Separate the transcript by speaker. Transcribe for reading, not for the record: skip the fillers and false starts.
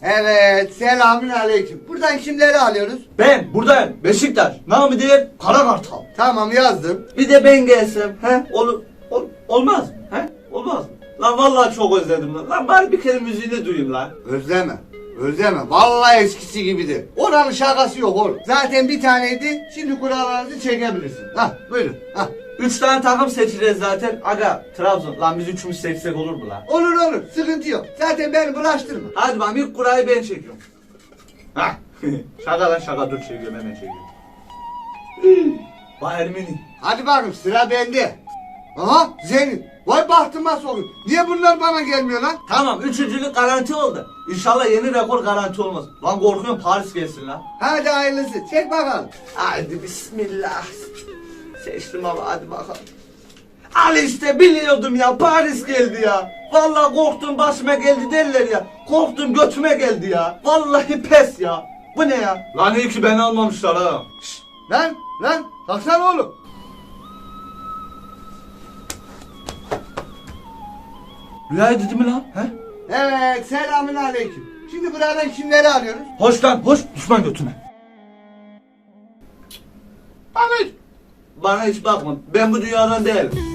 Speaker 1: Evet, selamün aleyküm. Buradan kimleri alıyoruz?
Speaker 2: Ben buradayım. Beşiktaş. Namı diğer Kara Kartal.
Speaker 1: Tamam yazdım.
Speaker 2: Bir de ben gelsem. He? Olmaz mı? He? Olmaz mı? Lan vallahi çok özledim lan. Lan bari bir kere müziğini duyayım lan.
Speaker 1: Özleme. Özleme. Vallahi eskisi gibidir. Oranın şakası yok oğlum. Zaten bir taneydi. Şimdi kurallarınızı çekebilirsin. Hah buyurun. Hah.
Speaker 2: 3 tane takım seçeceğiz zaten. Aga Trabzon. Lan biz üçümüz seçsek olur mu lan?
Speaker 1: Olur olur. Sıkıntı yok. Zaten beni bulaştırma.
Speaker 2: Hadi bakalım ilk kurayı ben çekiyorum. Hah. Şaka lan şaka dur çekiyorum hemen çekiyorum. Bayern Münih.
Speaker 1: Hadi bakayım sıra bende. Aha Zenit. Vay bahtıma sokun. Niye bunlar bana gelmiyor lan?
Speaker 2: Tamam üçüncülük garanti oldu. İnşallah yeni rekor garanti olmaz. Lan korkuyorum Paris gelsin lan.
Speaker 1: Hadi hayırlısı. Çek bakalım.
Speaker 2: Hadi bismillah. Seçtim ama hadi bakalım. Al işte biliyordum ya Paris geldi ya. Vallahi korktum başıma geldi derler ya. Korktum götüme geldi ya. Vallahi pes ya. Bu ne ya? Lan iyi ki beni almamışlar ha.
Speaker 1: Şşt, lan kalksana oğlum.
Speaker 2: Rüya dedi mi lan? He?
Speaker 1: Evet selamün aleyküm. Şimdi buradan kimleri alıyoruz?
Speaker 2: Hoş lan hoş düşman götüme.
Speaker 1: Ahmet.
Speaker 2: Bana hiç bakma ben bu dünyadan değilim.